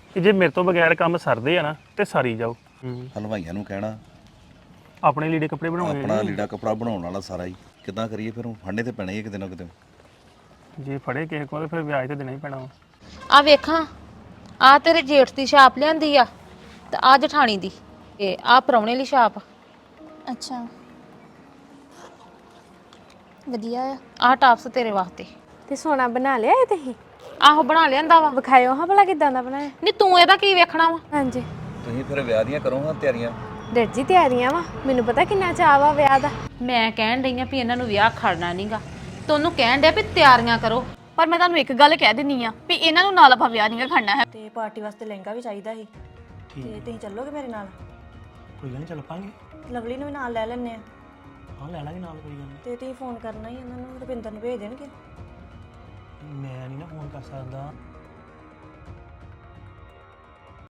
ਕਿ ਜੇ ਮੇਰੇ ਤੋਂ ਬਗੈਰ ਕੰਮ ਸਰਦੇ ਆ ਨਾ ਤੇ ਸਾਰੀ ਜਾਓ। ਹਲਵਾਈਆਂ ਨੂੰ ਕਹਿਣਾ ਆਪਣੇ ਲੀੜੇ ਕੱਪੜੇ ਬਣਾਉਣੇ ਆਪਣਾ ਲੀੜਾ ਕਪੜਾ ਬਣਾਉਣ ਵਾਲਾ ਸਾਰਾ ਹੀ ਕਿੱਦਾਂ ਕਰੀਏ ਫਿਰ ਫੜਨੇ ਤੇ ਪੈਣੇ ਹੀ ਕਿਤੇ ਨਾ ਕਿਤੇ। ਜੇ ਫੜੇ ਕਿਸੇ ਕੋਲ ਤੇ ਫਿਰ ਵਿਆਜ ਤੇ ਦੇਣਾ ਹੀ ਪੈਣਾ ਵਾ। ਆ ਵੇਖਾਂ ਆ ਤੇਰੇ ਜੇਠ ਦੀ ਛਾਪ ਲਿਆਂਦੀ ਆ ਤੇ ਆ ਜਠਾਣੀ ਦੀ ਤੇ ਆ ਪ੍ਰਾਹੁਣੇ ਲਈ ਛਾਪ। ਅੱਛਾ ਵਧੀਆ ਆ। ਆ ਟਾਪਸ ਤੇਰੇ ਵਾਸਤੇ। ਤੇ ਸੋਨਾ ਬਣਾ ਲਿਆ ਇਹ ਤੁਸੀਂ? ਆਹੋ ਬਣਾ ਲਿਆਂਦਾ ਵਾ। ਵਿਖਾਇਓ ਹਾਂ ਭਲਾ ਕਿਦਾਂ ਦਾ ਬਣਾਇਆ। ਨਹੀਂ ਤੂੰ ਇਹਦਾ ਕੀ ਵੇਖਣਾ ਵਾ? ਹਾਂਜੀ ਤੁਸੀਂ ਫਿਰ ਵਿਆਹ ਦੀਆਂ ਕਰੋ ਹਾਂ ਤਿਆਰੀਆਂ। ਡੈਡ ਜੀ ਤਿਆਰੀਆਂ ਵਾ, ਮੈਨੂੰ ਪਤਾ ਕਿੰਨਾ ਚਾਅ ਵਾ ਵਿਆਹ ਦਾ। ਮੈਂ ਕਹਿਣ ਡਈ ਆ ਵੀ ਇਹਨਾਂ ਨੂੰ ਵਿਆਹ ਖੜਨਾ ਨਹੀਂਗਾ ਤੇ ਉਹਨੂੰ ਕਹਿਣ ਡਿਆ ਵੀ ਤਿਆਰੀਆਂ ਕਰੋ। ਪਰ ਮੈਂ ਤੁਹਾਨੂੰ ਇੱਕ ਗੱਲ ਕਹਿ ਦਿੰਨੀ ਆ ਵੀ ਇਹਨਾਂ ਨੂੰ ਨਾਲ ਆਪਾਂ ਵਿਆਹ ਨਹੀਂ ਖੜਨਾ ਹੈ। ਤੇ ਪਾਰਟੀ ਵਾਸਤੇ ਲਹਿੰਗਾ ਵੀ ਚਾਹੀਦਾ ਸੀ ਤੇ ਤੁਸੀਂ ਚੱਲੋਗੇ ਮੇਰੇ ਨਾਲ? ਕੋਈ ਗੱਲ ਨਹੀਂ ਚੱਲ ਪਾਂਗੇ। ਲਵਲੀ ਨੂੰ ਵੀ ਨਾਲ ਲੈ ਲੈਣੇ ਆ। ਹਾਂ ਲੈ ਲਾਂਗੇ ਨਾਲ, ਕੋਈ ਗੱਲ ਤੇ ਤੁਸੀਂ ਫੋਨ ਕਰਨਾ ਹੀ ਉਹਨਾਂ ਨੂੰ, ਰੁਪਿੰਦਰ ਨੂੰ ਭੇਜ ਦੇਣਗੇ। ਨਹੀਂ। ਮੈਂ ਨਹੀਂ ਨਾ ਫੋਨ ਕਰ ਸਕਦਾ।